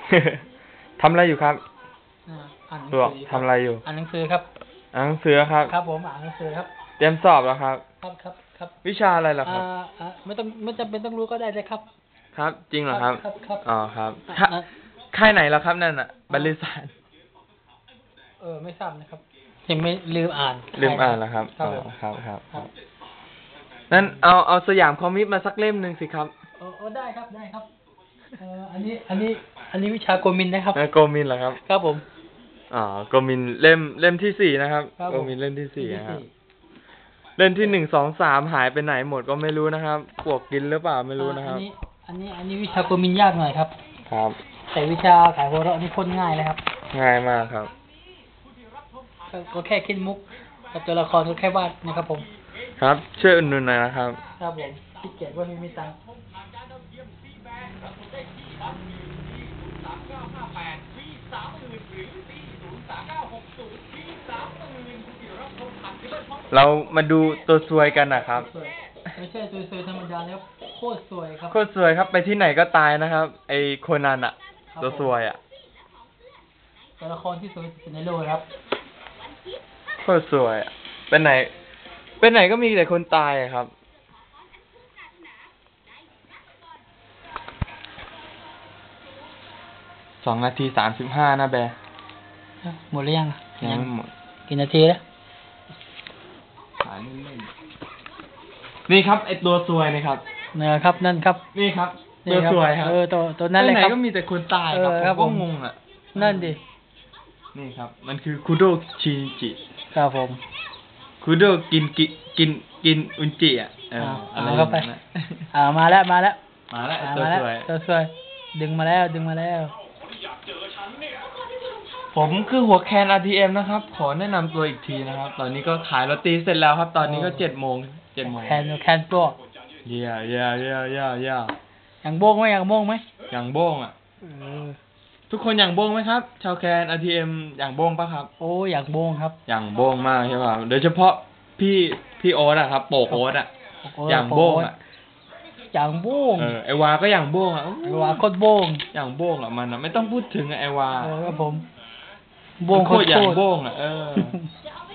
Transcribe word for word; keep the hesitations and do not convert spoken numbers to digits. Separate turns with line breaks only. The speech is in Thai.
ทำอะไรอยู่ครับ
อ่านหนัง
ตัว
สือ
ทำอะไรอยู่
อ่านหนังสือครับ
อ่านหนังสือครับ
ครับผมอ่านหนังสือครับ
เตรียมสอบแล้วครับ
ครับครับครับ
วิชาอะไรล่ะครับ
อ่าไม่ต้องไม่จำเป็นต้องรู้ก็ได้เลยครับ
ครับจริงเหรอครับ
ครับครับ
อ๋อครับค่ายไหนแล้วครับนั่นอ่ะบริษัท
เออไม่ทราบนะครับยังไม่ลืมอ่าน
ลืมอ่านแล้วครับ
อ๋อ
ครับครับครับนั่นเอาเอาสยามคอมิกมาสักเล่มหนึ่งสิครับ
เออได้ครับได้ครับเอออันนี้อันนี้อันนี้วิชาโกมินนะครับ
โกมินเหรอครับ
ครับผม
อ๋อโกมินเล่มเล่มที่สี่นะครับโกมินเล่มที่สี่ครับเล่มที่หนึ่งสองสามหายไปไหนหมดก็ไม่รู้นะครับปวกกินหรือเปล่าไม่รู้นะครับ
อันนี้อันนี้อันนี้วิชาโกมินยากหน่อยครับ
ครับ
แต่วิชาขายหัวเราะนี่พ้นง่ายเลยครับ
ง่ายมากครับ
ก็แค่คิดมุกกับตัวละครก็แค่วาดนะครับผม
ครับช่วยอุดหนุนหน่อยนะครับ
ครับผมขี้เกียจว่าไม่มีตังค์
เรามาดูตัวซวยกันนะครับ
ไม่ใช่ซวยๆธรรมดาแล้วโคตรซวยครับ
โคตรซวยครับไปที่ไหนก็ตายนะครับไอโคนันอะตัวซวยอะ
ตัวละครที่สวยที่สุดในโลกครับ
โคตรซวยอะเป็นไหนเป็นไหนก็มีแต่คนตายอะครับสองนาทีสามสิบห้านะแบร์
หมดหรือยัง
ยังไม่หมด
กี่นาทีแล้ว
ถ่ายเล่นๆนี่ครับไอตัวซวยนี่ครับ
นะครับนั่นครับ
นี่ครับตัวซวยครับ
เออตัวตัวนั้นเลยครับ
ไหนก็มีแต่คนตายครับผมก็งงอ่ะ
นั่นดิ
นี่ครับมันคือคุโดชินจิ
ครับผม
คุโดกินกิกินกินอุนจิอ่ะเออ
อะไรเข้าไปอ่ามาแล้วมาแล้ว
มาแล้วตัวสวย
ตัวสวยดึงมาแล้วดึงมาแล้ว
ผมคือหัวแคน อาร์ ที เอ็ม นะครับขอแนะนำตัวอีกทีนะครับตอนนี้ก็ขายโรตีเสร็จแล้วครับตอนนี้ก็เจ็ดโมงเจ็ดโมง
แคนแคนตัว
เย่เย่เย่เย่เย่
อย่างโบ้งไหมอย่างโบ้งไหม
อย่างโบ้งอ่ะทุกคนอย่างโบ้งไหมครับชาวแคน อาร์ ที เอ็ม อย่างโบ้งปะครับ
โอ้อย่างโบ้งครับ
อย่างโบ้งมากใช่ป่ะโดยเฉพาะพี่พี่โอ๊ตอะครับโปกโอ๊ตอะอย่างโบ้งอะ
อย่างโบ้ง
เออไอวาก็อย่างโบ้งอะ
ไอวาโคตรโบ้ง
อย่างโบ้งอะมันอะไม่ต้องพูดถึงไอวา
เออครับผมโบ้งโคตร
อย่างโบ้งอะเออ